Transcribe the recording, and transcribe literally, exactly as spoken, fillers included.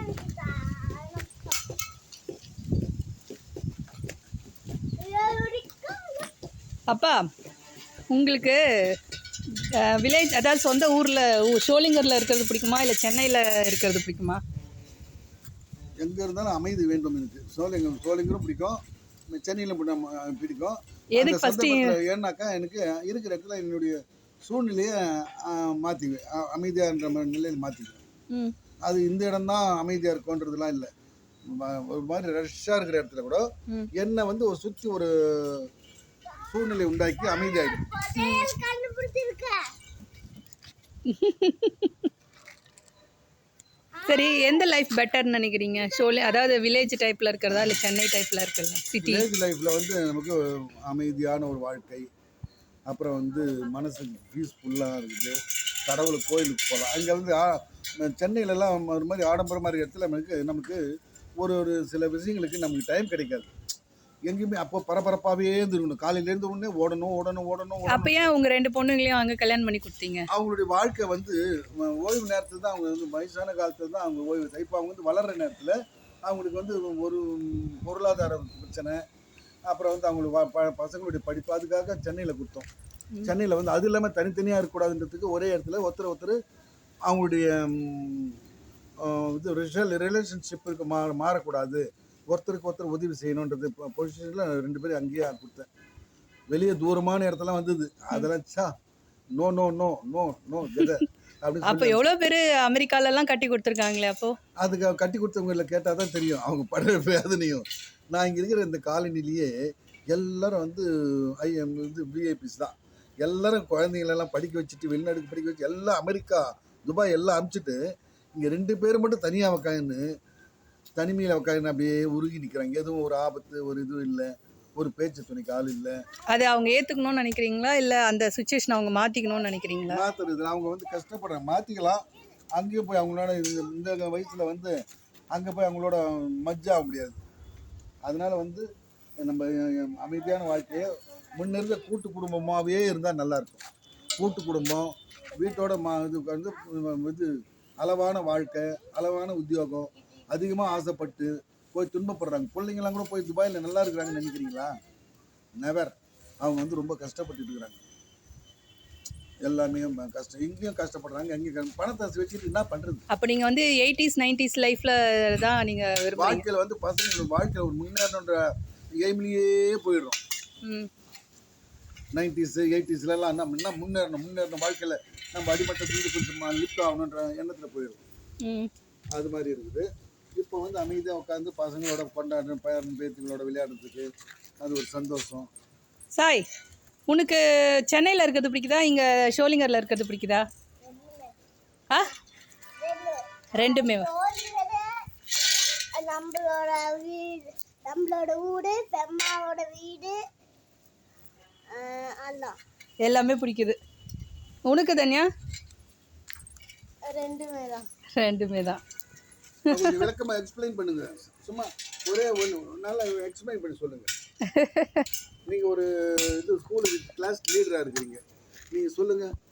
அப்பா உங்களுக்கு வில்லேஜ் அதாவது சொந்த ஊரில் ஷோலிங்கரில் இருக்கிறது பிடிக்குமா இல்லை சென்னையில் இருக்கிறது பிடிக்குமா? எங்கே இருந்தாலும் அமைதி வேண்டும் எனக்கு. சோழிங்கர் சோழிங்கரும் பிடிக்கும், சென்னையில் பிடிக்கும். எதுக்கு ஃபஸ்ட்டு? ஏன்னாக்கா எனக்கு இருக்கிற இடத்துல என்னுடைய சூழ்நிலையை மாற்றிக்குவேன், அமைதியாகிற நிலையில் மாற்றிக்குவேன். அது இந்த இடம் தான் அமைதியாக இருக்குன்றதுலாம் இல்லை. ஒரு மாதிரி ரஷ்ஷாக இருக்கிற இடத்துல கூட என்னை வந்து ஒரு சுற்றி ஒரு சூழ்நிலை உண்டாக்கி அமைதியாகிடும். சரி, எந்த லைஃப் பெட்டர்னு நினைக்கிறீங்க? ஷோலி அதாவது வில்லேஜ் டைப்பில் இருக்கிறதா இல்லை சென்னை டைப்பில் இருக்கிறதா? சிட்டி வில்லேஜ் லைஃப்பில் வந்து நமக்கு அமைதியான ஒரு வாழ்க்கை, அப்புறம் வந்து மனசுக்கு பீஸ்ஃபுல்லாக இருக்குது. கடவுள் கோயிலுக்கு போகலாம். அங்கே வந்து சென்னையிலலாம் ஒரு மாதிரி ஆடம்பரமாக இருக்கிற இடத்துல நமக்கு நமக்கு ஒரு ஒரு சில விஷயங்களுக்கு நமக்கு டைம் கிடைக்காது. எங்கேயுமே அப்போ பரபரப்பாகவே இருந்துருக்கணும். காலையிலேருந்து உடனே ஓடணும் ஓடணும் ஓடணும். அப்போ ஏன் உங்கள் ரெண்டு பொண்ணுங்களையும் அங்கே கல்யாணம் பண்ணி கொடுத்தீங்க? அவங்களுடைய வாழ்க்கை வந்து ஓய்வு நேரத்தில் தான் அவங்க வந்து வயசான காலத்தில் தான் அவங்க ஓய்வு. இப்போ அவங்க வந்து வளர்கிற நேரத்தில் அவங்களுக்கு வந்து ஒரு பொருளாதார பிரச்சனை, அப்புறம் வந்து அவங்களுக்கு பசங்களுடைய படிப்பு, அதுக்காக சென்னையில் கொடுத்தோம். சென்னையில் வந்து அது இல்லாமல் தனித்தனியாக இருக்கக்கூடாதுன்றதுக்கு ஒரே இடத்துல ஒருத்தர் ஒருத்தர் அவங்களுடைய இது ரிலேஷன்ஷிப்புக்கு மா மாறக்கூடாது ஒருத்தருக்கு ஒருத்தர் உதவி செய்யணுன்றது பொசிஷனில் ரெண்டு பேரும் அங்கேயே கொடுத்தேன். வெளியே தூரமான இடத்துல வந்தது அதெல்லாம் சா no no no no no அப்படின்னு. அப்போ எவ்வளோ பேர் அமெரிக்காலெல்லாம் கட்டி கொடுத்துருக்காங்களே? அப்போது அதுக்கு கட்டி கொடுத்தவங்கள கேட்டால் தான் தெரியும் அவங்க படுற வேதனையும். நான் இங்கே இருக்கிற இந்த காலனிலேயே எல்லாரும் வந்து ஐஎம் வந்து விஐபிஸ் தான். எல்லாரும் குழந்தைங்களெல்லாம் படிக்க வச்சுட்டு வெளிநாட்டுக்கு படிக்க வச்சு எல்லாம் அமெரிக்கா துபாய் எல்லாம் அனுப்பிச்சிட்டு இங்கே ரெண்டு பேர் மட்டும் தனியாக உக்காந்து தனிமையில் உட்காந்து அப்படியே உருகி நிற்கிறாங்க. எதுவும் ஒரு ஆபத்து ஒரு இதுவும் இல்லை, ஒரு பேச்சு துணைக்கு ஆள் இல்லை. அது அவங்க ஏற்றுக்கணும்னு நினைக்கிறீங்களா இல்லை அந்த சுச்சுவேஷன் அவங்க மாற்றிக்கணும்னு நினைக்கிறீங்களா? மாற்றுறது அவங்க வந்து கஷ்டப்படுறாங்க, மாற்றிக்கலாம். அங்கேயும் போய் அவங்களோட இந்த வயசில் வந்து அங்கே போய் அவங்களோட மஜ்ஜாக முடியாது. அதனால் வந்து நம்ம அமைதியான வாழ்க்கையை முன்னிருந்த கூட்டு குடும்பமாகவே இருந்தால் நல்லாயிருக்கும். கூட்டு குடும்பம் வீட்டோட மா இது வந்து இது அளவான வாழ்க்கை, அளவான உத்தியோகம், அதிகமாக ஆசைப்பட்டு போய் துன்பப்படுறாங்க. பிள்ளைங்களாம் கூட போய் துபாயில் நல்லா இருக்கிறாங்கன்னு நினைக்கிறீங்களா? நெவர். அவங்க வந்து ரொம்ப கஷ்டப்பட்டு இருக்கிறாங்க. எல்லாமே கஷ்டம், இங்கேயும் கஷ்டப்படுறாங்க, அங்கேயும் பணத்தை வச்சுட்டு என்ன பண்ணுறது? அப்போ நீங்கள் வந்து எயிட்டிஸ் நைன்டிஸ் லைஃப்பில் தான் நீங்கள் வாழ்க்கையில் வந்து பசங்க வாழ்க்கையில் ஒரு முன்னேறணுன்ற எய்ம்லேயே போயிடுறோம். நைன்டிஸு எயிட்டிஸ்லாம் நம்ம என்ன முன்னேறணும் முன்னேறணும் வாழ்க்கையில் நம்ம அடிமட்டத்துலேருந்து கொஞ்சம் லிஃப்ட் ஆகணுன்ற எண்ணத்தில் போயிடும். அது மாதிரி இருக்குது. இப்போ வந்து அமைதியாக உட்காந்து பசங்களோட கொண்டாடுற பேரன் பேத்திகளோட விளையாடுறதுக்கு அது ஒரு சந்தோஷம். சாய், உனக்கு சென்னையில் இருக்கிறது பிடிக்குதா இங்கே ஷோலிங்கரில் இருக்கிறது பிடிக்குதா? ஆ ரெண்டுமே. நம்மளோட வீடு, நம்மளோட வீடு, பெம்மாவோட வீடு எல்லாமே பிடிக்குது. உனக்கு தனியா? ரெண்டுமே தான். ரெண்டுமே தான். விளக்கமாக எக்ஸ்பிளைன் பண்ணுங்க. சும்மா ஒரே ஒன்று நல்லா எக்ஸ்பிளைன் பண்ணி சொல்லுங்க. நீங்கள் ஒரு இது ஸ்கூலுக்கு கிளாஸ் லீடராக இருக்கிறீங்க, நீங்கள் சொல்லுங்கள்.